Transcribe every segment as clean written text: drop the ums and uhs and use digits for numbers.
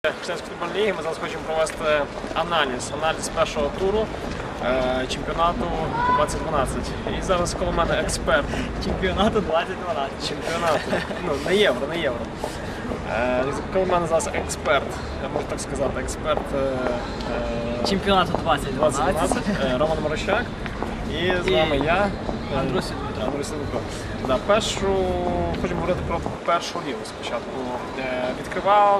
Християнської футбольної ліги ми зараз хочемо провести аналіз першого туру чемпіонату 2012. І зараз коло мене експерт. Чемпіонату 2012. Чемпіонату, не євро. Коло мене зараз експерт, можна так сказати, експерт Чемпіонату 2012. Роман Морощак. І з вами я, Андрій Дмитро. Хочемо говорити про першу лігу спочатку. Відкривав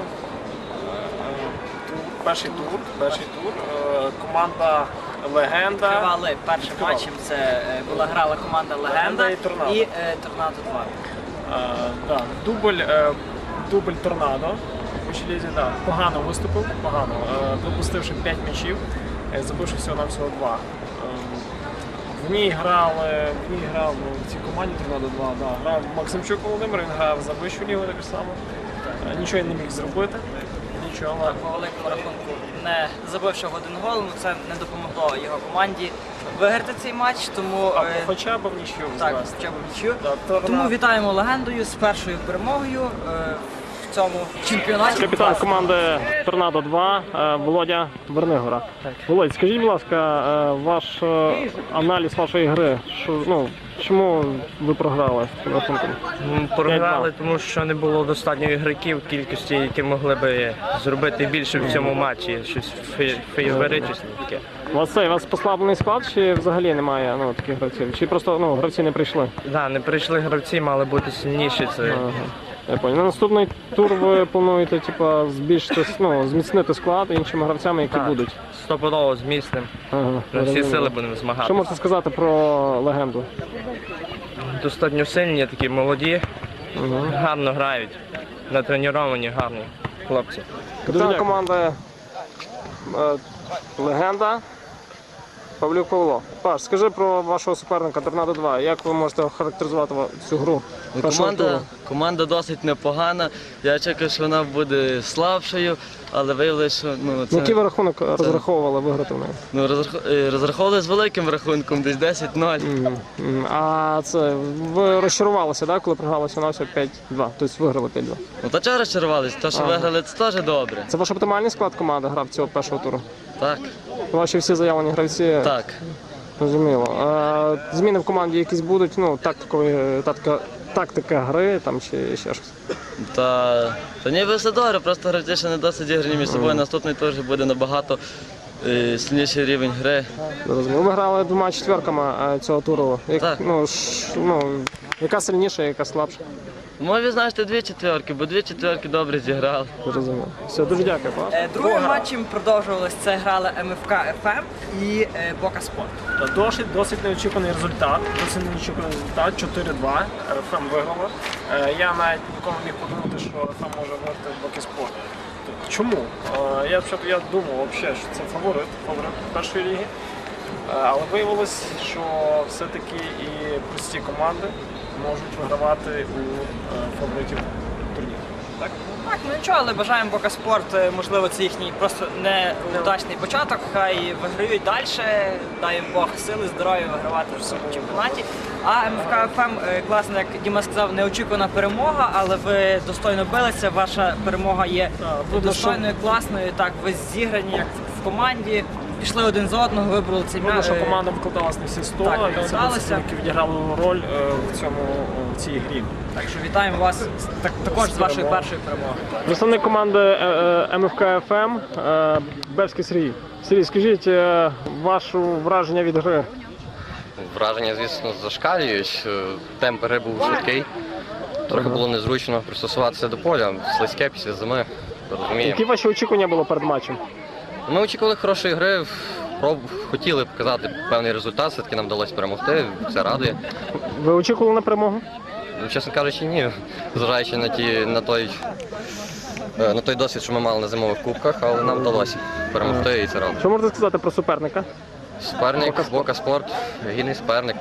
перший тур, команда Легенда. Відкривали першим матчем, це грала команда Легенда і Торнадо. І Торнадо 2. Дубль Торнадо у вищій лізі, погано виступив, пропустивши 5 м'ячів, забивши всього-навсього 2. В цій команді Торнадо 2 грав Максимчук Володимир, він грав за вищу лігу так само. Нічого не міг зробити. По великому рахунку, не забивши один гол, це не допомогло його команді виграти цей матч, тому хоча б в нічию. Тому вітаємо Легендою з першою перемогою в цьому чемпіонаті. Капітан команди Торнадо 2 Володя Вернигора. Володь, скажіть, будь ласка, ваш аналіз вашої гри. Чому ви програли з рахунком? Програли, тому що не було достатньо ігроків кількості, які могли би зробити більше в цьому матчі, щось феєричне таке. У вас послаблений склад чи взагалі немає таких гравців? Чи просто гравці не прийшли? Так, не прийшли гравці, мали бути сильніші. Я понял. На наступний тур ви плануєте зміцнити склад іншими гравцями, які будуть? Стопудово зміцним. На всі сили будемо змагатися. Що можете сказати про Легенду? Достатньо сильні, такі молоді, гарно грають, натреновані, гарні хлопці. Капітан команди Легенда Павлюк Павло. Паш, скажи про вашого суперника Торнадо 2. Як ви можете охарактеризувати цю гру? Команда досить непогана. Я чекав, що вона буде слабшою, але виявилося, що це... Який ви рахунок розраховували виграти в неї? Розраховували з великим рахунком, десь 10-0. А ви розчарувалися, коли програли всього 5-2? Тобто виграли 5-2? Та чого розчарувалися? Те, що виграли, це теж добре. Це ваш оптимальний склад команди грав цього першого туру? Так. Ваші всі заявлені гравці? Так. Розуміло. Зміни в команді якісь будуть, тактика гри чи ще щось? Та ніби все добре, просто гравці ще не досить зіграні між собою. Наступний тур вже буде набагато сильніший рівень гри. Розуміло. Ви грали 2 четвірками цього туру. Так. Яка сильніша, яка слабша? Можу відзначити 2 четвірки, бо 2 четвірки добре зіграли. Розуміло. Все, дуже дякую. Другим матчем продовжувалось. Це грали МФК ФМ і Бока Спорт. Досить неочікуваний результат. 4-2. ФМ виграла. Я навіть ніколи не міг подумати, що ФМ може виграти Боки Спорт. Чому? Я думав, що це фаворит першої ліги. Але виявилось, що все-таки і прості команди можуть вигравати у фаворитів турніру. Так? Так, нічого, але бажаємо Бока Спорт, можливо, це їхній просто неудачний початок, хай виграють далі, дай їм Бог сили, здоров'я вигравати в цьому чемпіонаті. А МФК ФМ, класно, як Діма сказав, неочікувана перемога, але ви достойно билися, ваша перемога є достойною, класною, так, ви зіграні як в команді. Пішли один за одного, вибрали цей м'яч. Що команда викладалась на всі 100, які відіграли роль в цій грі. Так що вітаємо вас також з вашою першою перемогою. Представник команди МФК ФМ Бевський Сергій. Сергій, скажіть, ваше враження від гри? Враження, звісно, зашкалюють. Темп гри був швидкий. Трохи було незручно пристосуватися до поля, слизьке після зими, розуміємо. Які ваші очікування були перед матчем? Ми очікували хорошої гри, хотіли показати певний результат, все-таки нам вдалося перемогти, це радує. Ви очікували на перемогу? Чесно кажучи, ні, зважаючи на той досвід, що ми мали на зимових кубках, але нам вдалося перемогти і це радує. Що можете сказати про суперника? Суперник, Бока Спорт, гідний суперник.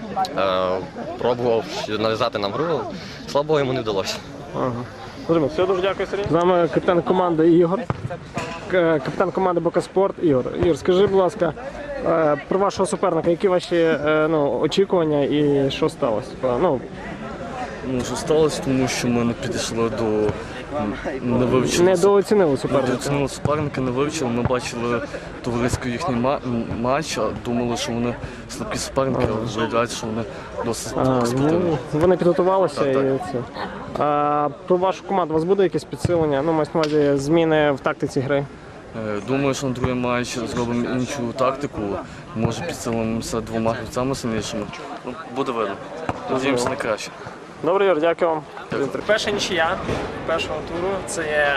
Пробував нав'язати нам гру, слабо йому не вдалося. Все, дуже дякую, Сергій. З нами капітан команди Ігор. Капітан команди Бока Спорт Ігор. Ігор, скажи, будь ласка, про вашого суперника, які ваші очікування і що сталося? Що сталося, тому що ми не підійшли до не вивчили. Недооцінили суперника. Недооцінили суперника, не вивчили. Ми бачили товариський їхній матч, а думали, що вони слабкі суперники, але виявляється, що вони досить спортивні. Вони підготувалися Так, і це. А про вашу команду у вас буде якесь підсилення? Ну, мається на увазі зміни в тактиці гри? Думаю, що на другий матч зробимо іншу тактику. Може підсилимося двома гравцями сильнішими. Ну, буде видно. Надіємося на краще. Добре, Юр, дякую вам. Перша нічия першого туру. Це є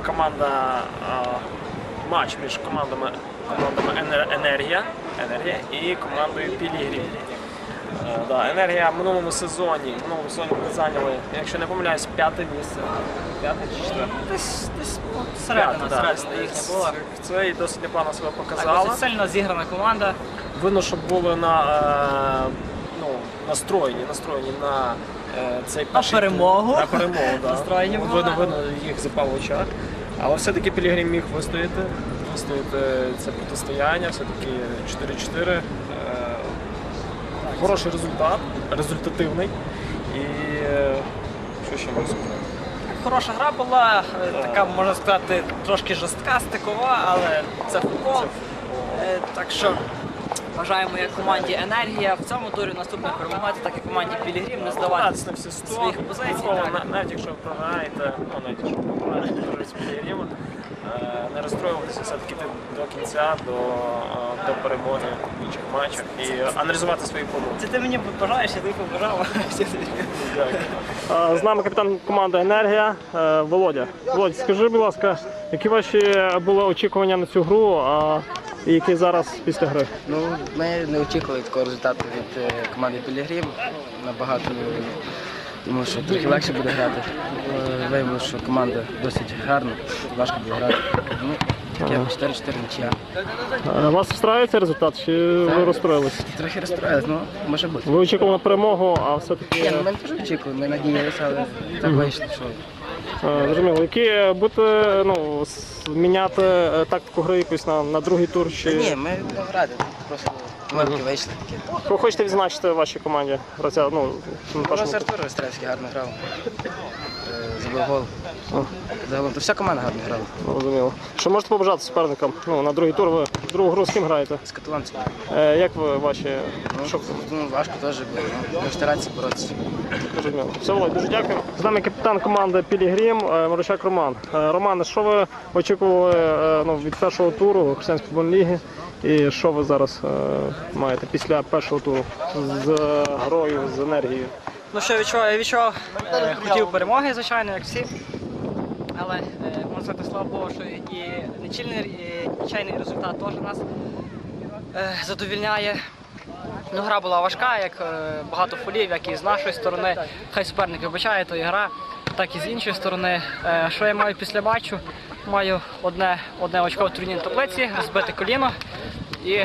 матч між командами Енергія і командою Пілігрім. Енергія в минулому сезоні ми зайняли, якщо не помиляюсь, 5-те місце. 5-те чи 4-те? Десь середина їхня була. Це і досить непогано себе Так, показала. досить сильно зіграна команда. Видно, що були настроєні на цей перший тур. перемогу. На перемогу, да. Настроєні були. Видно, їх запав в очах. Але все-таки Пілігрім міг вистояти це протистояння, все-таки 4-4. Хороший результат, результативний. І що ще можу сказати? Хороша гра була, така, можна сказати, трошки жорстка, стикова, але це футбол. Так що бажаємо як команді Енергія в цьому турі наступних перемагати, так і команді Пілігрім не здаватися На всі 100, своїх позицій. ніколи, Так. навіть якщо ви програєте, з Пілігримом, не розстроюватися, все-таки йти до кінця, до перемоги в інших матчах і аналізувати свої помилки. Це ти мені бажаєш, я тобі побажав. З нами капітан команди «Енергія» Володя. Володя, скажи, будь ласка, які ваші були очікування на цю гру, і які зараз після гри? Ну, ми не очікували такого результату від команди Пілігрім. Набагато, тому що трохи легше буде грати. Виявилося, що команда досить гарна, важко буде грати. Ну, таке 4-4 нічия. Вас встраюється результат, чи ви розстроїлися? Трохи розстроїлись, ну, може бути. Ви очікували на перемогу, а все-таки... Ні, ну, ми теж очікували, ми надіялися, але так вийшло, що... Зрозуміло. Які будете міняти тактику гри якусь на другий тур? Чи... Ні, ми будемо грати, просто помилки вийшли такі. Кого хочете відзначити в вашій команді? Гравця, на першому Просто Артур Остревський гарно грав, забив гол. Загалом, то вся команда гарно грала. Розуміло. Що можете побажати суперникам? На другий тур ви другу гру з ким граєте? З каталонцями. Як ви ваші... Ну, важко теж було, ну, ми старатися боротися. Зрозуміло. Все, Володь, дуже дякую. З нами капітан команди Пілігрім Марущак Роман. Романе, що ви очікували від першого туру Християнської футбольної ліги? І що ви зараз маєте після першого туру з грою, з енергією? Ну що я відчував, хотів перемоги, звичайно, як всі. Але можна сказати, слава Богу, що і нічийний результат теж нас задовільняє. Ну, гра була важка, як багато фолів, як і з нашої сторони. Хай суперник вибачає, то і гра, так і з іншої сторони. Що я маю після матчу? Маю одне очко в турнірній таблиці, розбите коліно. І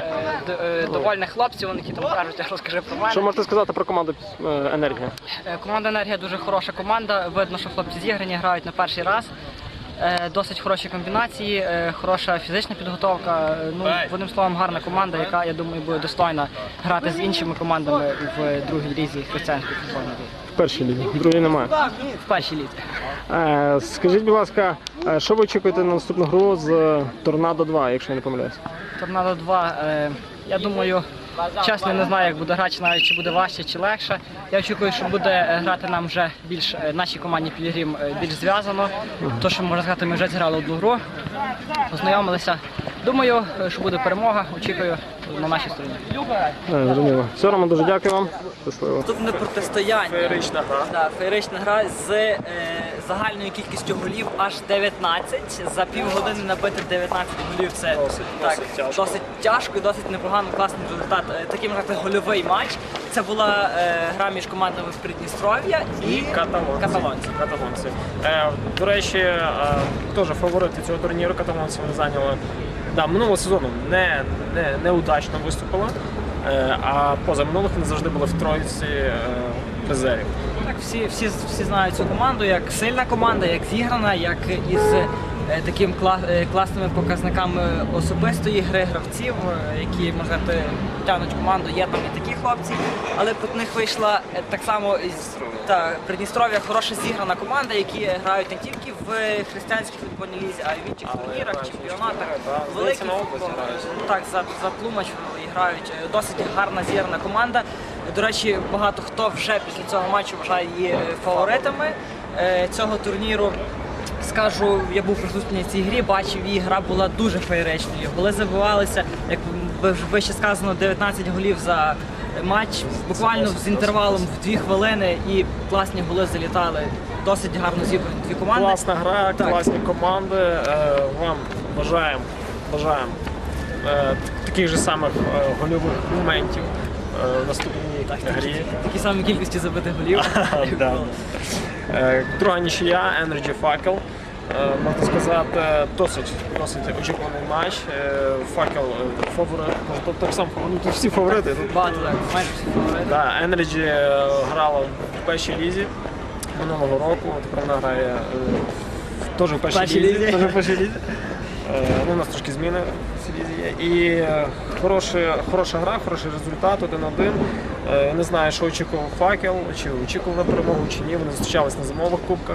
довольні хлопці, вони які там кажуть, розкажи про мене. Що можете сказати про команду «Енергія»? Команда «Енергія» дуже хороша команда. Видно, що хлопці зіграні, грають на перший раз. Досить хороші комбінації, хороша фізична підготовка. Ну, в одним словом, гарна команда, яка, я думаю, буде достойна грати з іншими командами в другій лізі християнської футбольної ліги. В першій лізі, в другій немає. В першій лізі. Скажіть, будь ласка, що ви очікуєте на наступну гру з «Торнадо 2», якщо я не помиляюсь? «Торнадо 2», я думаю, чесно, не знаю, як буде грати, навіть чи буде важче, чи легше. Я очікую, що буде грати нам вже більш, нашій команді Пілігрім більш зв'язано. То, що, можна сказати, ми вже зіграли одну гру, познайомилися. Думаю, що буде перемога, очікую на нашій стороні. Зрозуміло. Все, Роман, дуже дякую вам. Щасливо. Наступне протистояння. Феєрична гра. Да, феєрична гра з загальною кількістю голів аж 19. За півгодини набити 19 голів це досить тяжко і досить непогано, класний результат. Такий, можна сказати, гольовий матч. Це була гра між командами з Придністров'я і каталонці. До речі, теж фаворити цього турніру каталонці вони зайняли. Минулого сезону неудачно виступили, а позаминулих вони завжди були в тройці призерів. Так, всі знають цю команду як сильна команда, як зіграна, як із класними показниками особистої гри гравців, які, можна сказати, тягнуть команду. Є там і такі хлопці, але проти них вийшла так само Придністров'я хороша зіграна команда, які грають не тільки в християнській футбольній лізі, а й в інших турнірах, чемпіонатах. Великий футбол. Так, за Тлумач грають. Досить гарна зіграна команда. До речі, багато хто вже після цього матчу вважає її фаворитами цього турніру. Скажу, я був присутній в цій грі, бачив, її гра була дуже феєричною. Голи забивалися, як вище сказано, 19 голів за матч, буквально з інтервалом в 2 хвилини, і класні голи залітали. Досить гарно зібрані дві команди. Класна гра, Так. класні команди. Вам бажаємо таких же самих гольових моментів в наступній грі. Такі самі кількості забитих голів. Да. Друга нічия, Energy Факел. Можна сказати, досить очікуваний матч. Факел фаворит, тобто так само тут всі фаворити. Багато, так, майже всі фаворити. Да, Energy грала в першій лізі минулого року, тепер вона грає теж в першій лізі. Теж в першій лізі. Ну, у нас трошки зміни в цій лізі є. І хороша гра, хороший результат 1-1. Не знаю, що очікував Факел, чи очікував на перемогу, чи ні. Вони зустрічались на зимових кубках.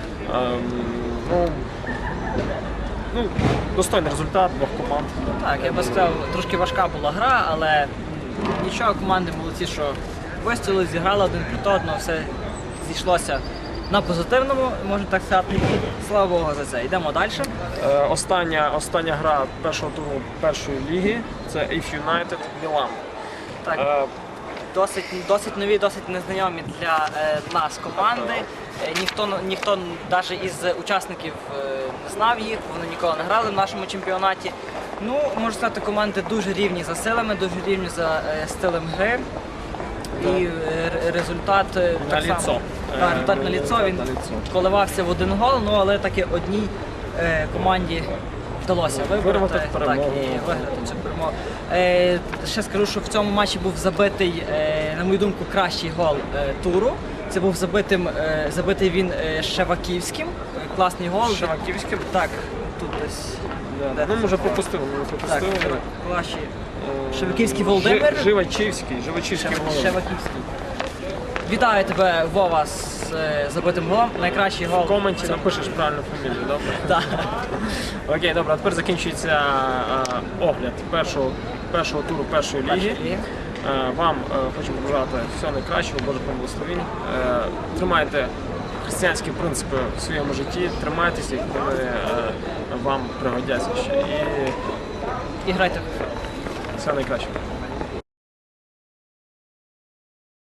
Ну, достойний результат двох команд. Так, я би сказав, трошки важка була гра, але нічого, команди молодці, що вистояли, зіграли один проти одного, все зійшлося на позитивному, можна так сказати, і слава Богу за це. Йдемо далі. Остання гра першого туру першої ліги – це If United Мілан. Так, досить нові, досить незнайомі для нас команди. Ніхто навіть із учасників не знав їх, вони ніколи не грали в нашому чемпіонаті. Ну, можна сказати, команди дуже рівні за силами, дуже рівні за стилем гри. І результат так само. Результат на ліцо, він коливався в один гол, ну, але таки одній команді вдалося виграти і виграти цю перемогу. Ще скажу, що в цьому матчі був забитий, на мою думку, кращий гол туру. Це був забитий він Шеваківським. Класний гол. Шеваківським? Так, тут десь. Ну, може, пропустили. Так, класний. Шеваківський Володимир. Живачівський гол. Шеваківський. Вітаю тебе, Вова, з забитим голом. Найкращий гол. В коменті напишеш правильну фамілію, добре? Так. Окей, добре, а тепер закінчується огляд першого туру першої ліги. Вам хочу побажати всього найкращого, Божих вам благословінь. Тримайте християнські принципи в своєму житті, тримайтеся, їх, вони вам пригодяться ще. І І грайте. всього найкращого.